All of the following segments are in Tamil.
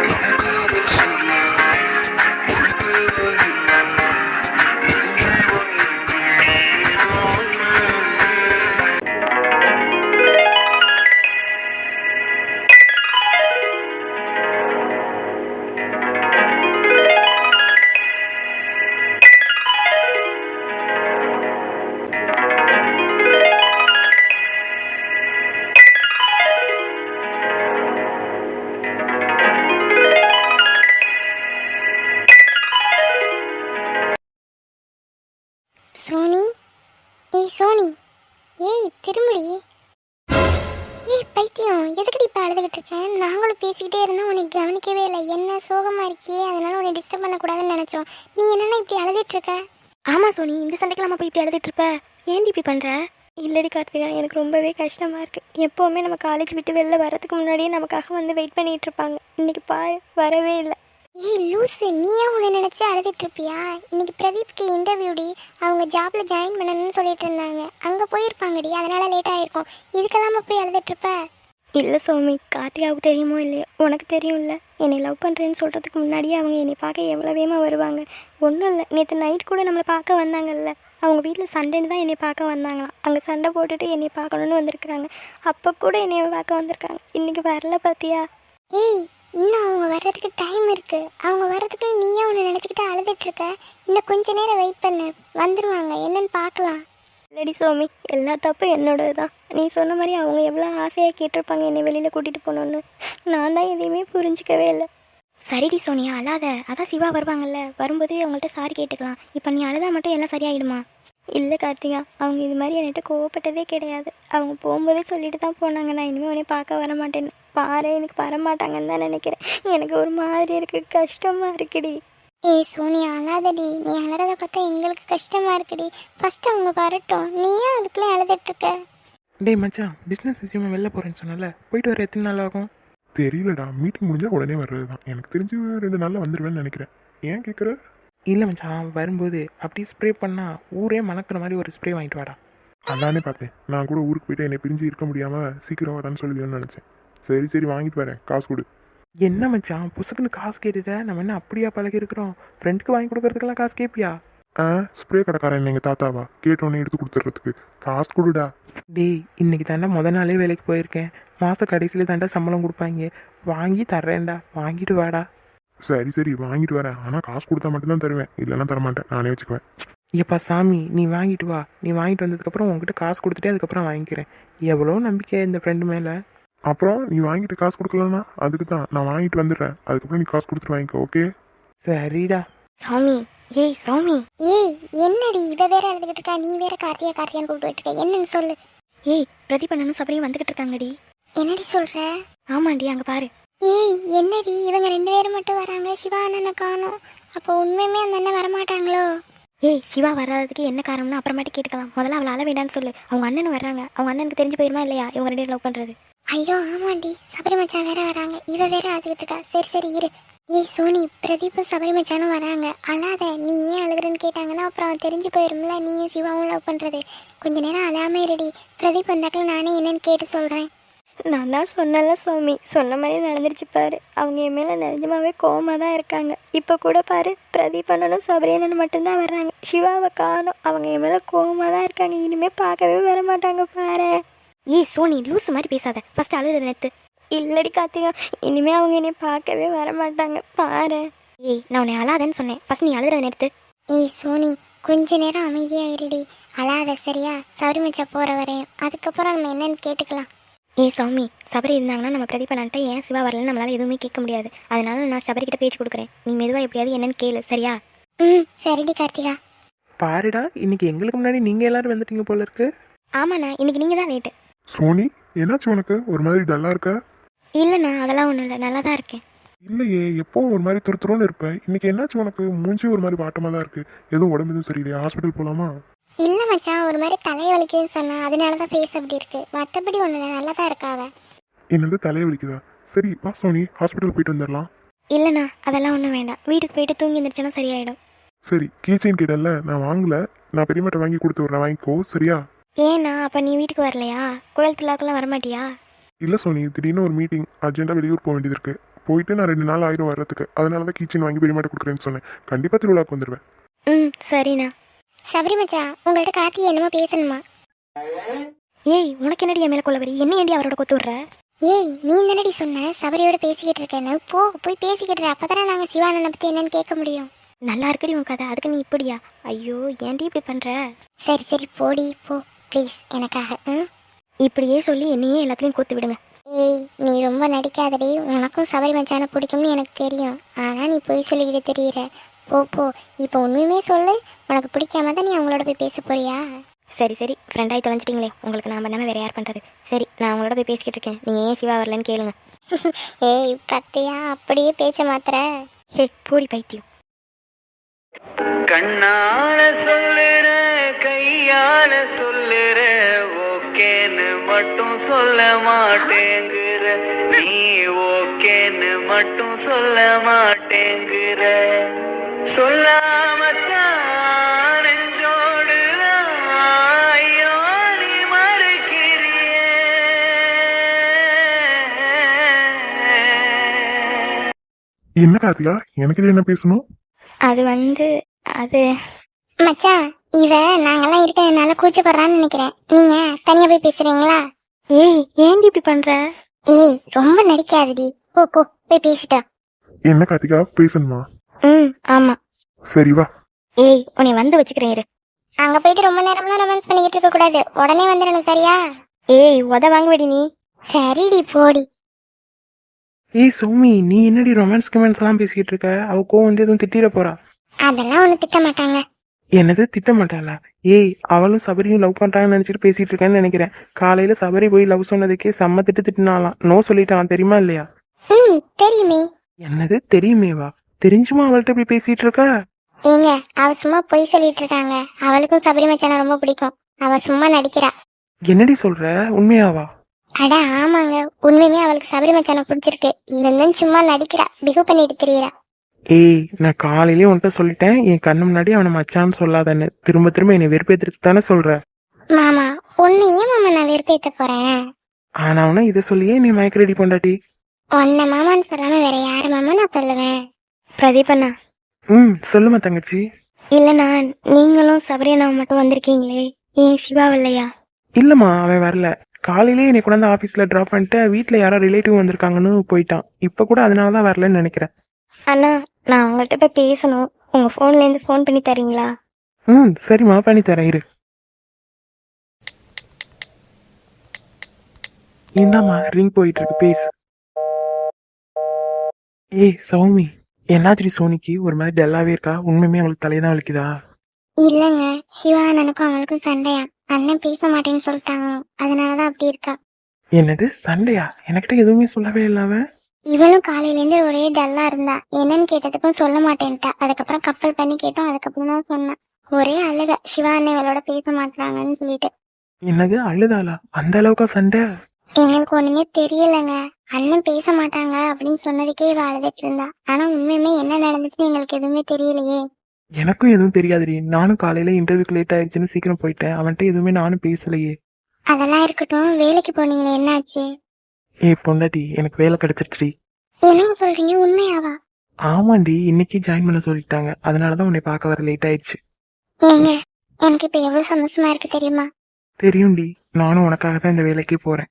சோனி, ஏய் சோனி, ஏய் திரும்படி. ஏய் பைத்தியம், எதுக்கடி இப்போ அழுதுகிட்டு இருக்கேன்? நாங்களும் பேசிக்கிட்டே இருந்தோம், உனக்கு கவனிக்கவே இல்லை. என்ன சோகமாக இருக்கியே, அதனால உன்னை டிஸ்டர்ப் பண்ணக்கூடாதுன்னு நினச்சோம். நீ என்னென்னா இப்படி அழுதுட்டு இருக்க? ஆமாம் சோனி, இந்த சண்டைக்கெல்லாம் போய் இப்படி அழுதுட்டு இருப்ப? ஏன் இப்படி பண்ணுற? இல்லடி கார்த்திகா, எனக்கு ரொம்பவே கஷ்டமாக இருக்குது. எப்போவுமே நம்ம காலேஜ் விட்டு வெளில வரதுக்கு முன்னாடியே நமக்காக வந்து வெயிட் பண்ணிகிட்டு இருப்பாங்க. இன்றைக்கி பாரு, வரவே இல்லை. ஏய் லூஸு, நீயே உன்னை நினச்சி அழுதுட்டு இருப்பியா? இன்னைக்கு பிரதீப்க்கு இன்டர்வியூடி, அவங்க ஜாப்பில் ஜாயின் பண்ணணும்னு சொல்லிட்டு இருந்தாங்க. அங்கே போயிருப்பாங்கடி, அதனால லேட் ஆகிருக்கும். இதுக்கெல்லாம் போய் அழுதுட்டு இருப்ப? இல்லை சோமி, கார்த்திகாவுக்கு தெரியுமோ இல்லையோ, உனக்கு தெரியும்ல, என்னை லவ் பண்ணுறேன்னு சொல்கிறதுக்கு முன்னாடியே அவங்க என்னை பார்க்க எவ்வளோ வேகமாக வருவாங்க. ஒன்றும் இல்லை, நேற்று நைட் கூட நம்மளை பார்க்க வந்தாங்கல்ல, அவங்க வீட்டில் சண்டைன்னு தான் என்னை பார்க்க வந்தாங்களாம். அங்கே சண்டை போட்டுட்டு என்னை பார்க்கணுன்னு வந்திருக்குறாங்க. அப்போ கூட என்னை பார்க்க வந்திருக்காங்க. இன்றைக்கி வரல பார்த்தியா? ஏய், இன்னும் அவங்க வர்றதுக்கு டைம் இருக்குது. அவங்க வர்றதுக்கு நீயே உன்னை நினச்சிக்கிட்டு அழுதுட்டுருக்க. இன்னும் கொஞ்ச நேரம் வெயிட் பண்ணு, வந்துடுவாங்க. என்னன்னு பார்க்கலாம். இல்லடி சோமி, எல்லா தப்பும் என்னோடது தான். நீ சொன்ன மாதிரி அவங்க எவ்வளோ ஆசையாக கேட்டிருப்பாங்க என்னை வெளியில் கூட்டிகிட்டு போகணுன்னு. நான் தான் எதையுமே புரிஞ்சிக்கவே இல்லை. சரிடி சோனியா, அழாத. அதான் சிவா வருவாங்கல்ல, வரும்போது அவங்கள்ட்ட சாரி கேட்டுக்கலாம். இப்போ நீ அழுதா மட்டும் எல்லாம் சரியாயிடுமா? இல்லை கார்த்திகா, அவங்க இது மாதிரி என்கிட்ட கோவப்பட்டதே கிடையாது. அவங்க போகும்போதே சொல்லிட்டு தான் போனாங்க, நான் இனிமேல் உன்னை பார்க்க வர மாட்டேன்னு. பாரு, எனக்கு வரமாட்டாங்கன்னு தான் நினைக்கிறேன். எனக்கு ஒரு மாதிரி இருக்குது, கஷ்டமாக இருக்குடி. ஏய் சோனியா, அழாதடி. நீ அழறத பார்த்தா எங்களுக்கு கஷ்டமாக இருக்குடி. ஃபஸ்ட்டு அவங்க வரட்டும், நீ ஏன் அதுக்குள்ளே அழுதுட்டுருக்க? டேய் மச்சான், பிஸ்னஸ் விஷயமா வெளில போகிறேன்னு சொன்னல, போயிட்டு வர எத்தனை நாள் ஆகும்? தெரியலடா, மீட்டிங் முடிஞ்சால் உடனே வர்றது தான். எனக்கு தெரிஞ்சு 2 நாளில் வந்துடுவேன்னு நினைக்கிறேன். ஏன் கேட்குற? இல்லை மச்சான், வரும்போது அப்படியே ஸ்ப்ரே பண்ணால் ஊரே மணக்கிற மாதிரி ஒரு ஸ்ப்ரே வாங்கிட்டு வாடா. அதானே பார்த்தேன். நான் கூட ஊருக்கு போயிட்டு என்னை பிரிஞ்சு இருக்க முடியாமல் சீக்கிரம் வரான்னு சொல்லுவேன்னு நினச்சேன். சரி சரி, வாங்கிட்டு வரேன், காசு கொடு. என்ன மச்சான், புசுக்குன்னு காசு கேட்டுட்ட? நம்ம என்ன அப்படியா பழகி இருக்கிறோம்? ஃப்ரெண்டுக்கு வாங்கி கொடுக்கறதுக்கெல்லாம் காசு கேட்பியா? ஸ்ப்ரே கடைக்காரன் எங்கள் தாத்தாவா? கேட்டோன்னே எடுத்து கொடுத்துட்றதுக்கு காசு கொடுடா. டேய், இன்னைக்கு தாண்டா நாளே வேலைக்கு போயிருக்கேன். மாத கடைசியில் தாண்டா சம்பளம் கொடுப்பாங்க. வாங்கி தர்றேன்டா, வாங்கிட்டு வாடா. சரி சரி, வாங்கிட்டு வரேன். ஆனால் காசு கொடுத்தா மட்டும்தான் தருவேன், இல்லைன்னா தரமாட்டேன், நானே வச்சுக்குவேன். ஏப்பா சாமி, நீ வாங்கிட்டு வா. நீ வாங்கிட்டு வந்ததுக்கப்புறம் உங்ககிட்ட காசு கொடுத்துட்டே அதுக்கப்புறம் வாங்கிக்கிறேன். எவ்வளோ நம்பிக்கை இந்த ஃப்ரெண்டு மேலே. அப்புறம் நீ வாங்கிட்டு காசு கொடுக்கலன்னா அதுக்கு தான் நான் வாங்கிட்டு வந்துடுறேன். அதுக்கப்புறம் நீ காசு கொடுத்துட்டு வாங்கிக்கோ, ஓகே? சரிடா. சாமி, ஏய் சாமி. ஏய் என்னடி, இவ வேற அழுதுகிட்டு இருக்கா, நீ வேற கார்த்தியா கார்த்தியான்னு கூப்பிட்டு இருக்க. என்னன்னு சொல்லு. ஏய், பிரதீப் அண்ணனும் சபரியும் வந்துகிட்டு இருக்காங்கடி. என்னடி சொல்ற? ஆமாண்டி, அங்கே பாரு. ஏய் என்னடி, இவங்க 2 பேரும் மட்டும் வராங்க, சிவா அண்ணனை காணோம். அப்போ உண்மையுமே அந்த அண்ணன் வரமாட்டாங்களோ? ஏய், சிவா வராததுக்கு என்ன காரணம்னு அப்புறமாட்டி கேட்டுக்கலாம். முதல்ல அவளை அழ வேண்டான்னு சொல்லு. அவங்க அண்ணன் வர்றாங்க, அவங்க அண்ணனுக்கு தெரிஞ்சு போயிருமா இல்லையா இவங்க 2 பேரும் லவ் பண்ணுறது? ஐயோ ஆமாண்டி, சபரி மச்சான் வேற வராங்க, இவ வேற அழுதுகிட்டு இருக்கா. சரி சரி இரு. ஏய் சோனி, பிரதீப்பும் சபரி மச்சானும் வராங்க. அழாத. நீ ஏன் அழுகுறன்னு கேட்டாங்கன்னா அப்புறம் அவன் தெரிஞ்சு போயிரும்ல நீயும் சிவாவும் லவ் பண்ணுறது. கொஞ்ச நேரம் அழாம இருடி. பிரதீப் வந்தாக்கில் நானே என்னன்னு கேட்டு சொல்கிறேன். நான் தான் சொன்னல சுவாமி, சொன்ன மாதிரி நடந்துருச்சு பாரு. அவங்க என் மேலே நிஜமாவே கோவமாக தான் இருக்காங்க. இப்போ கூட பாரு, பிரதீப் அண்ணனும் சபரி அண்ணனும் மட்டும்தான் வர்றாங்க, சிவாவை காணோம். அவங்க என் மேலே கோவமாக தான் இருக்காங்க. இனிமேல் பார்க்கவே வர மாட்டாங்க பாரு. ஏய் சோனி, லூஸ் மாதிரி பேசாத. ஃபஸ்ட்டு அழுது நேற்று. இல்லடி கார்த்திகா, இனிமேல் அவங்க என்னை பார்க்கவே வர மாட்டாங்க பாரு. ஏய், நான் உன்னை அழாதன்னு சொன்னேன். ஃபஸ்ட் நீ அழுதுறத நேற்று. ஏய் சோனி, கொஞ்ச நேரம் அமைதியாக இருடி. அழாத சரியா? சபரி மச்சான் போகிற வரையும். அதுக்கப்புறம் நம்ம என்னன்னு கேட்டுக்கலாம். ஏய் சாமி, சபரி இருந்தாங்கன்னா நம்ம பிரதீப் அண்ணன்ட்ட ஏன் சிவா வரலன்னு நம்மளால் எதுவுமே கேட்க முடியாது. அதனால நான் சபரிக்கிட்ட பேச்சு கொடுக்குறேன். நீ மெதுவாக எப்படியாவது என்னன்னு கேளு, சரியா? சரிடி கார்த்திகா. பாருடா, இன்னைக்கு எங்களுக்கு முன்னாடி நீங்கள் எல்லாரும் வந்துட்டீங்க போல இருக்கு. ஆமாண்ணா, இன்னைக்கு நீங்கள் தான் லேட்டு. சோனி, என்னாச்சு உனக்கு? ஒரு மாதிரி டல்லாக இருக்க? இல்லைண்ணா, அதெல்லாம் ஒன்றும் இல்லை, நல்லா தான் இருக்கேன். இல்லையே, எப்போவும் ஒரு மாதிரி துருத்துருன்னு இருப்பேன். இன்னைக்கு என்னாச்சு உனக்கு? மூஞ்சி ஒரு மாதிரி வாட்டமாக தான் இருக்கு. எதுவும் உடம்பு எதுவும் சரியில்லையா? ஹாஸ்பிட்டல் போகலாமா? இல்லை மச்சான், ஒரு மாதிரி தலை வலிக்குதுன்னு சொன்னா, அதனால தான் ஃபேஸ் அப்படி இருக்கு. மற்றபடி ஒன்றும் இல்லை, நல்லா தான் இருக்காவ. என்னது, தலையை வலிக்குதா? சரி வா சோனி, ஹாஸ்பிட்டல் போயிட்டு வந்துடலாம். இல்லைண்ணா, அதெல்லாம் ஒன்றும் வேண்டாம். வீட்டுக்கு போயிட்டு தூங்கி எழுந்திரிச்சோன்னா சரியாயிடும். சரி, கீச்சைன் கேட்டல, நான் வாங்கல. நான் பெரியமாட்ட வாங்கி கொடுத்து விட்றேன், வாங்கிக்கோ, சரியா? ஏண்ணா, அப்போ நீ வீட்டுக்கு வரலையா? கோயில் திருவிழாக்கெல்லாம் வரமாட்டியா? இல்லை சோனி, திடீர்னு ஒரு மீட்டிங், அர்ஜென்ட்டாக வெளியூர் போக வேண்டியது இருக்கு. போயிட்டு நான் 2 நாள் ஆயிரம் வர்றதுக்கு. அதனால தான் கீச்சன் வாங்கி பெரியமாட்ட கொடுக்குறேன்னு சொன்னேன். கண்டிப்பாக திருவிழாக்கு வந்துடுவேன். ம் சரிண்ணா. சபரி மச்சான் உங்கள்கிட்ட கார்த்தி என்னமோ பேசணுமா? ஏய் உனக்கு என்னடி என் மேலே கொள்ளவரி? என்ன ஏண்டி அவரோட கொத்து விட்ற? ஏய் நீ தானடி சொன்ன சபரியோட பேசிக்கிட்டு இருக்கேன்னு, போய் பேசிக்கிட்டு அப்பதானே நாங்கள் சிவானனை பற்றி என்னன்னு கேட்க முடியும். நல்லா இருக்குடி உன் கதை, அதுக்கு நீ இப்படியா? ஐயோ ஏன்டி இப்படி பண்ணுற? சரி போடி போ ப்ளீஸ் எனக்காக. இப்படியே சொல்லி என்னையே எல்லாத்துலேயும் கொத்து விடுங்க. ஏய் நீ ரொம்ப நடிக்காதடி, உனக்கும் சபரி மச்சானை பிடிக்கும்னு எனக்கு தெரியும். ஆனால் நீ போய் சொல்லிக்கிட்டு தெரியுற. போ இப்போ உண்மையுமே சொல்லு, உனக்கு பிடிக்காம தான் நீ அவங்களோட போய் பேச போறியா? சரி ஃப்ரெண்டாகி தொலைஞ்சிட்டிங்களே, உங்களுக்கு நான் பண்ணாமல் வேறு யார் பண்ணுறது? சரி நான் அவங்களோட போய் பேசிக்கிட்டு இருக்கேன், நீங்கள் ஏன் சிவா வரலன்னு கேளுங்க. ஏய் பத்தியா அப்படியே பேச்ச மாத்திர. ஹே பூடி பைத்தியம். கண்ணால சொல்லுற கையால சொல்லுற ஓகேன்னு மட்டும் சொல்ல மாட்டேங்குற, நீ ஓகேன்னு மட்டும் சொல்ல மாட்டேங்குற. சொல்லாமத்தான் நெஞ்சோடுதான் ஐயோ நீ மறுக்கிறியே. என்ன கார்த்திகா, எனக்கு என்ன பேசணும்? அது அது மச்சான் இவ நாங்கெல்லாம் இருக்கிறதுனால கூச்சப்படுறான்னு நினைக்கிறேன். நீங்க தனியா போய் பேசுறீங்களா? ஏய் ஏன்டி இப்படி பண்ணுற? ஏய் ரொம்ப நடிக்காதடி, போய் பேசிட்டா. என்ன கார்த்திகா பேசணுமா? ம் ஆமாம். சரி வா. ஏய் உன்னை வந்து வச்சுக்கிறேன் இரு. அங்க போயிட்டு ரொம்ப நேரம்லாம் ரொமான்ஸ் பண்ணிக்கிட்டு இருக்க கூடாது, உடனே வந்துடணும் சரியா? ஏய் உத வாங்குவடி நீ. சரிடி போடி. ஏய் சௌமி, நீ என்னடி ரொமான்ஸ் கமெண்ட்ஸ் எல்லாம் பேசிக்கிட்டு இருக்க? அவ கோவம் வந்து எதுவும் திட்டிட போறா. அதெல்லாம் ஒண்ணு திட்ட மாட்டாங்க. என்னது திட்ட மாட்டாளா? ஏய் அவளும் சபரியும் லவ் பண்றாங்கன்னு நினைச்சிட்டு பேசிட்டு இருக்கேன்னு நினைக்கிறேன். காலையில சபரி போய் லவ் சொன்னதுக்கே செம்ம திட்டினாலாம். நோ சொல்லிட்டான் தெரியுமா இல்லையா? தெரியுமே. என்னது தெரியுமேவா? தெரிஞ்சுமா அவள்கிட்ட இப்படி பேசிட்டு இருக்கா? ஏங்க அவ சும்மா பொய் சொல்லிட்டு இருக்காங்க. அவளுக்கும் சபரி மச்சானை ரொம்ப பிடிக்கும், அவ சும்மா நடிக்கிறா. என்னடி சொல்ற? உண்மையாவா? அட ஆமாங்க, உண்மையுமே அவளுக்கு சபரி மச்சானை பிடிச்சிருக்கு. இருந்தும் சும்மா நடிக்கிறா, பிகு பண்ணிட்டு தெரியறா. ஏய் நான் காலையிலேயே உன்கிட்ட சொல்லிட்டேன், என் கண்ணு முன்னாடி அவனை மச்சான்னு சொல்லாதன்னு. திரும்ப என்னை வெறுப்பேத்துட்டு தானே சொல்ற? மாமா உன்னையே மாமா நான் வெறுப்பேத்த போறேன். ஆனா அவனை இதை சொல்லியே நீ மயக்க ரெடி பண்ணாட்டி. உன்னை மாமான்னு சொல்லாம வேற யாரு மாமா நான் சொல்லுவேன்? பிரதீபண்ணா. சொல்லுமா தங்கச்சி. இல்லைண்ணா நீங்களும் சபரியண்ணாவும் மட்டும் வந்திருக்கீங்களே, ஏன் சிவா இல்லையா? இல்லம்மா அவன் வரல. காலையிலேயே என்னை கொண்டாந்து ஆபீஸ்ல டிராப் பண்ணிட்டு வீட்டுல யாரோ ரிலேட்டிவ் வந்திருக்காங்கன்னு போயிட்டான். இப்ப கூட அதனாலதான் வரலன்னு நினைக்கிறேன். அண்ணா நான் அவங்கள்ட்ட போய் பேசணும், உங்க ஃபோன்லேருந்து ஃபோன் பண்ணி தரீங்களா? சரிம்மா பண்ணி தரேன் இரு. இந்தாம்மா ரிங் போயிட்டு இருக்கு, பேசு. ஏய் சௌமி, என்னாச்சு சோனிக்கு ஒரு மாதிரி டல்லாவே இருக்கா? உண்மையுமே அவளுக்கு தலையதான் வலிக்குதா? இல்லங்க சிவா அண்ணனுக்கும் அவளுக்கும் சண்டையா, அண்ணன் பேச மாட்டேன்னு சொல்லிட்டாங்க, அதனாலதான் அப்படி இருக்கா. என்னது சண்டையா? எனக்கிட்ட எதுவுமே சொல்லவே இல்லாம. இவளும் காலையில இருந்து ஒரே டல்லா இருந்தா. என்னன்னு கேட்டதுக்கும் சொல்ல மாட்டேன்ட்டா. அதுக்கப்புறம் கப்பல் பண்ணி கேட்டோம், அதுக்கப்புறம் தான் சொன்னேன். ஒரே அழுக, சிவா அண்ணன் இவளோட பேச மாட்டாங்கன்னு சொல்லிட்டு. என்னது அழுதாளா? அந்த அளவுக்கா சண்டை? எங்களுக்கு ஒண்ணுமே தெரியலங்க. அண்ணன் பேச மாட்டாங்க அப்படின்னு சொன்னதுக்கே இவ அழுதுட்டு இருந்தா. ஆனா உண்மையுமே என்ன நடந்துச்சுன்னு எங்களுக்கு எதுவுமே தெரியலையே. எனக்கும் எதுவும் தெரியாதுடி. நானும் காலையில இன்டர்வியூக்கு லேட் ஆயிடுச்சுன்னு சீக்கிரம் போயிட்டேன். அவன்கிட்ட எதுவுமே நானும் பேசலையே. அதெல்லாம் இருக்கட்டும், வேலைக்கு போனீங்களே என்னாச்சு? ஏய் பொண்டாட்டி, எனக்கு வேலை கிடைச்சிருச்சுடி. என்னங்க சொல்றீங்க, உண்மையாவா? ஆமாண்டி, இன்னைக்கு ஜாயின் பண்ண சொல்லிட்டாங்க. அதனாலதான் உன்னை பார்க்க வர லேட் ஆயிடுச்சு. ஏங்க எனக்கு இப்ப எவ்வளவு சந்தோஷமா இருக்கு தெரியுமா? தெரியும்டி, நானும் உனக்காக தான் இந்த வேலைக்கு போறேன்.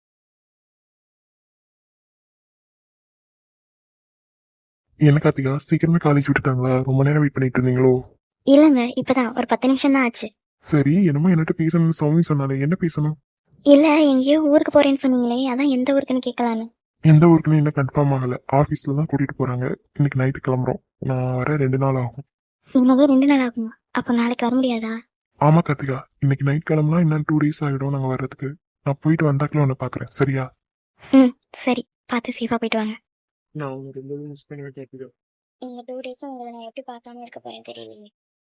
என்ன கார்த்திகா, சீக்கிரமே காலேஜ் விட்டுட்டாங்களா? ரொம்ப நேரம் வெயிட் பண்ணிட்டு இருந்தீங்களோ? இல்லைங்க இப்பதான் ஒரு 10 நிமிஷம் தான் ஆச்சு. சரி, என்னமோ என்கிட்ட பேசணும்னு சௌமி சொன்னாலே, என்ன பேசணும்? இல்லை எங்கேயோ ஊருக்கு போறேன்னு சொன்னீங்களே, அதான் எந்த ஊருக்குன்னு கேட்கலான்னு. எந்த ஊருக்குன்னு இன்னும் கன்ஃபார்ம் ஆகல. ஆஃபீஸ்ல தான் கூட்டிட்டு போறாங்க. இன்னைக்கு நைட்டு கிளம்புறோம். நான் வர 2 நாள் ஆகும். இன்னது 2 நாள் ஆகுமா? அப்போ நாளைக்கு வர முடியாதா? ஆமா கார்த்திகா, இன்னைக்கு நைட் கிளம்புனா இன்னும் 2 days ஆகிடும் நாங்க வர்றதுக்கு. நான் போயிட்டு வந்தாக்கல உன்னை பாக்குறேன், சரியா? சரி பார்த்து சேஃபாக போயிட்டு வாங்க. நான் உங்க 2 மிஸ் பண்ணுவேன் கார்த்திகா. இந்த 2 days உங்களை நான் எப்படி பார்க்காம இருக்க போறேன் தெரியலையே.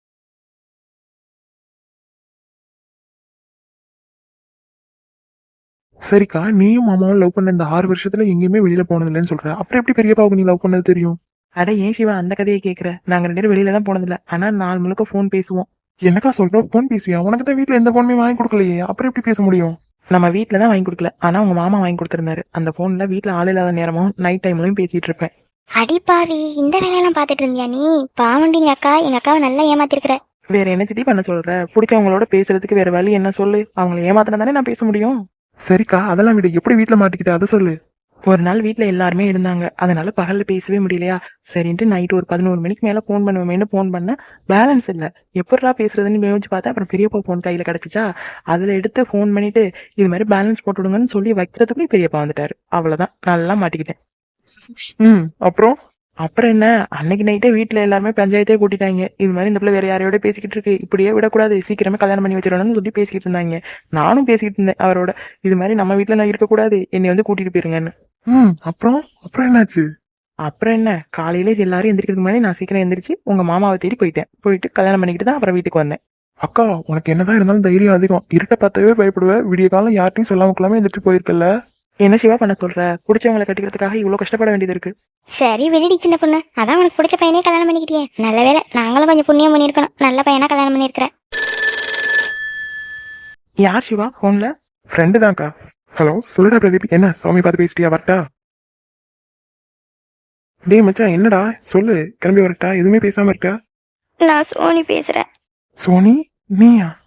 சரிக்கா, நீயும் மாமாவும் லவ் பண்ண இந்த 6 வருஷத்துல எங்கேயுமே வெளியில போனது இல்லைன்னு சொல்ற. அப்புறம் எப்படி பெரியப்பாவுக்கு நீ லவ் பண்ணது தெரியும்? அட ஏன் சிவா அந்த கதையை கேட்குற? நாங்க 2 பேரும் வெளியில தான் போனதில்ல. ஆனா நாள் முழுக்க ஃபோன் பேசுவோம். என்னக்கா சொல்ற? ஃபோன் பேசுவியா? உனக்கு தான் வீட்டுல எந்த ஃபோனுமே வாங்கி கொடுக்கலையே, அப்புறம் எப்படி பேச முடியும்? நம்ம வீட்டில் தான் வாங்கி கொடுக்கல ஆனால் உங்க மாமா வாங்கி கொடுத்துருந்தாரு. அந்த ஃபோனில் வீட்டில் ஆள் இல்லாத நேரமும் நைட் டைம்லையும் பேசிட்டு இருப்பேன். அடிப்பாவி, இந்த வேலையெல்லாம் பார்த்துட்டு இருந்தியா நீ? பாவண்டி எங்கள் அக்காவை நல்லா ஏமாத்திருக்கிற. வேற என்ன சித்தி பண்ண சொல்ற? பிடிச்சவங்களோட பேசுறதுக்கு வேற வழி என்ன சொல்லு? அவங்களை ஏமாத்தினா தானே நான் பேச முடியும். சரிக்கா, அதெல்லாம் விட எப்படி வீட்டுல மாட்டிக்கிட்ட அதை சொல்லு. ஒரு நாள் வீட்ல எல்லாருமே இருந்தாங்க, அதனால பகல்ல பேசவே முடியலையா, சரின்ட்டு நைட் ஒரு 11 மணிக்கு மேல ஃபோன் பண்ணுவேன்னு ஃபோன் பண்ண பேலன்ஸ் இல்ல. எப்படிடா பேசுறதுன்னு யோசிச்சு பார்த்தா அப்புறம் பெரியப்பா ஃபோன் கையில கிடைச்சிச்சா, அதுல எடுத்து ஃபோன் பண்ணிட்டு இது மாதிரி பேலன்ஸ் போட்டு விடுங்கன்னு சொல்லி வைக்கிறதுக்குள்ளே பெரியப்பா வந்துட்டாரு. அவ்வளவுதான், நல்லா மாட்டிக்கிட்டேன். அப்புறம் அப்புறம் என்ன, அன்னைக்கு நைட்டே வீட்டுல எல்லாருமே பஞ்சாயத்தே கூட்டிட்டாங்க. இது மாதிரி இந்த பிள்ளை வேற யாரையோட பேசிக்கிட்டு இருக்கு, இப்படியே விடக்கூடாது, சீக்கிரமே கல்யாணம் பண்ணி வச்சிடணும்னு சொல்லி பேசிக்கிட்டு இருந்தாங்க. நானும் பேசிக்கிட்டு இருந்தேன் அவரோட, இது மாதிரி நம்ம வீட்டுல நான் இருக்கக்கூடாது, என்னை வந்து கூட்டிட்டு போயிருங்கன்னு. அப்புறம் அப்புறம் என்னாச்சு? அப்புறம் என்ன, காலையில எல்லாரும் எந்திரிக்கிறதுக்கு முன்னாடி நான் சீக்கிரம் எந்திரிச்சு உங்க மாமாவை தேடி போயிட்டு கல்யாணம் பண்ணிக்கிட்டு தான் அப்புறம் வீட்டுக்கு வந்தேன். அக்கா, உனக்கு என்னதான் இருந்தாலும் தைரியம் அதிகம். இருட்ட பார்த்தாவே பயப்படுவேன். விடிய காலம் யார்ட்டையும் சொல்லாம கொள்ளாம எந்திரிச்சு போயிருக்கல. என்ன சிவா பண்ண சொல்ற? பிடிச்சவங்களை கட்டிக்கிறதுக்காக இவ்வளவு கஷ்டப்பட வேண்டியது இருக்கு. சரி விடுடி சின்ன பொண்ணு, அதான் உனக்கு பிடிச்ச பையனே கல்யாணம் பண்ணிக்கிட்டியே, நல்ல வேலை. நாங்களும் கொஞ்சம் புண்ணியம் பண்ணியிருக்கணும், நல்ல பையனா கல்யாணம் பண்ணியிருக்கிறேன். யார் சிவா போன்ல? ஃப்ரெண்டு தான்க்கா. ஹலோ, சொல்லுடா பிரதீப். என்ன சாமி பார்த்து பேசிட்டியா? வரட்டா? டேய் மச்சான், என்னடா சொல்லு. கிளம்பி வரட்டா? எதுவுமே பேசாம இருக்க. நான் சோனி பேசுறேன். சோனி, நீயா?